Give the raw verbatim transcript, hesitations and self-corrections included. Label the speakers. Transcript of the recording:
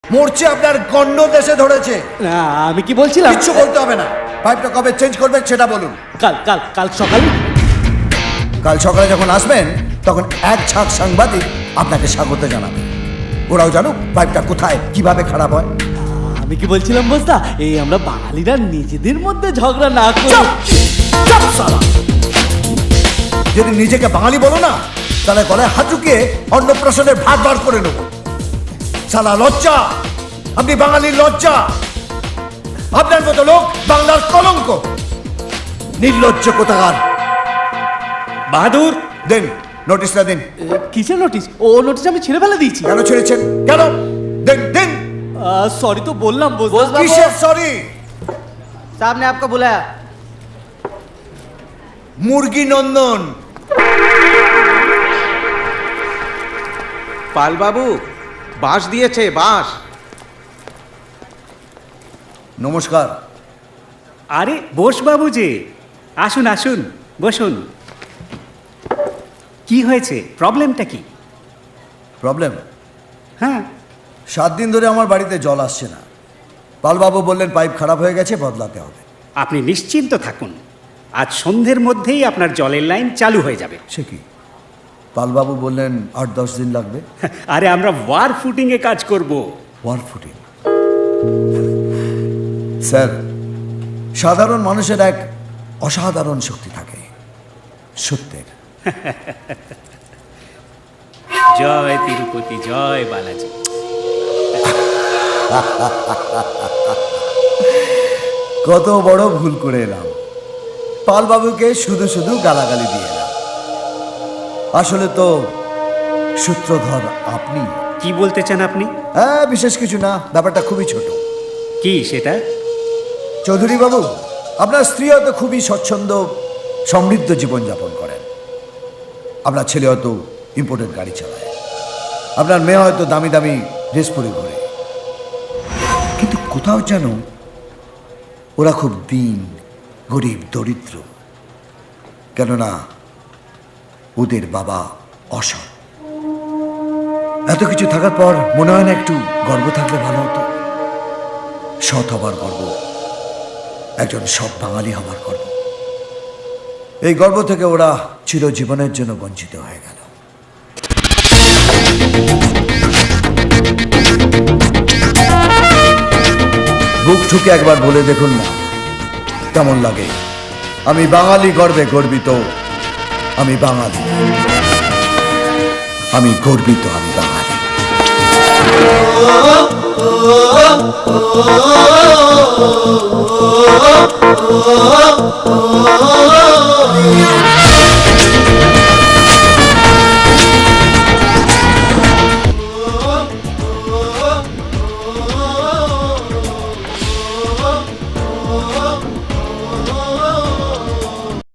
Speaker 1: মরছে আপনার গন্ড দেশে ধরেছে।
Speaker 2: না আমি কি বলছিলাম,
Speaker 1: কিচ্ছু বলতে হবে না। পাইপটা কবে চেঞ্জ করবেন সেটা বলুন।
Speaker 2: কাল কাল কাল সকালে।
Speaker 1: কাল সকালে যখন আসবেন তখন এক ছাক সাংবাদিক আপনাকে স্বাগত জানাবে। ওরাও জানুক পাইপটা কোথায় কিভাবে খারাপ হয়।
Speaker 2: আমি কি বলছিলাম বস্তা, এই আমরা বাঙালিরা নিজেদের মধ্যে ঝগড়া না করি।
Speaker 1: চুপ! চুপ শালা! যদি নিজেকে বাঙালি বলো না তাহলে গলায় হাত ঢুকিয়ে অন্নপ্রাশনের ভাত বার করে নেব। শালা লজ্জা! আপনি বাঙালির লজ্জা। আপনার মতো লোক বাংলার কলঙ্ক। নির্লজ্জ কোথাকার।
Speaker 2: বাহাদুর
Speaker 1: দেন নোটিশটা দিন।
Speaker 2: কিসের নোটিশ? ও নোটিশ আমি ছেড়ে ফেলে দিয়েছি।
Speaker 1: কেন ছেড়েছেন? কেন? দেন দেন।
Speaker 2: সরি তো বললাম বস।
Speaker 1: কিসের সরি?
Speaker 3: साहब ने आपको बुलाया।
Speaker 1: মুরগি নন্দন।
Speaker 4: পালবাবু বাঁশ দিয়েছে, বাঁশ।
Speaker 1: নমস্কার।
Speaker 5: আরে বোস বাবু যে, আসুন আসুন বসুন। কি হয়েছে, প্রবলেমটা কি?
Speaker 1: প্রবলেম?
Speaker 5: হ্যাঁ,
Speaker 1: সাত দিন ধরে আমার বাড়িতে জল আসছে না। পালবাবু বললেন পাইপ খারাপ হয়ে গেছে, বদলাতে হবে।
Speaker 5: আপনি নিশ্চিন্ত থাকুন, আজ সন্ধ্যের মধ্যেই আপনার জলের লাইন চালু হয়ে যাবে।
Speaker 1: সে কি? পালবাবু বললেন আট দশ দিন লাগবে।
Speaker 5: আরে আমরা ওয়ার ফুটিংয়ে কাজ করব।
Speaker 1: War footing? স্যার, সাধারণ মানুষের এক অসাধারণ শক্তি থাকে, সত্যের।
Speaker 5: জয় তিরুপতি, জয় বালাজি।
Speaker 1: কত বড় ভুল করে এলাম। পালবাবুকে শুধু শুধু গালাগালি দিয়ে এলাম। আসলে তো সূত্রধর আপনি।
Speaker 5: কি বলতে চান আপনি?
Speaker 1: হ্যাঁ, বিশেষ কিছু না, ব্যাপারটা খুবই ছোট।
Speaker 5: কি সেটা?
Speaker 1: চৌধুরী বাবু, আপনার স্ত্রী হয়তো খুবই স্বচ্ছন্দ সমৃদ্ধ জীবনযাপন করেন। আপনার ছেলে হয়তো ইম্পোর্টেড গাড়ি চালায়। আপনার মেয়ে হয়তো দামি দামি ড্রেস পরে ঘোরে। কিন্তু কোথাও যেন ওরা খুব দীন, গরিব, দরিদ্র। কেননা ওদের বাবা অসৎ। এত কিছু থাকার পর মনে হয় না একটু গর্ব থাকলে ভালো হতো? সৎ হবার গর্ব, একজন সৎ বাঙালি হবার গর্ব। এই গর্ব থেকে ওরা চিরজীবনের জন্য বঞ্চিত হয়ে গেল। বুক ঠুকে একবার বলে দেখুন না কেমন লাগে। আমি বাঙালি গর্বে গর্বিত, আমি বাঙালি, আমি গর্বিত, আমি বাঙালি। Oh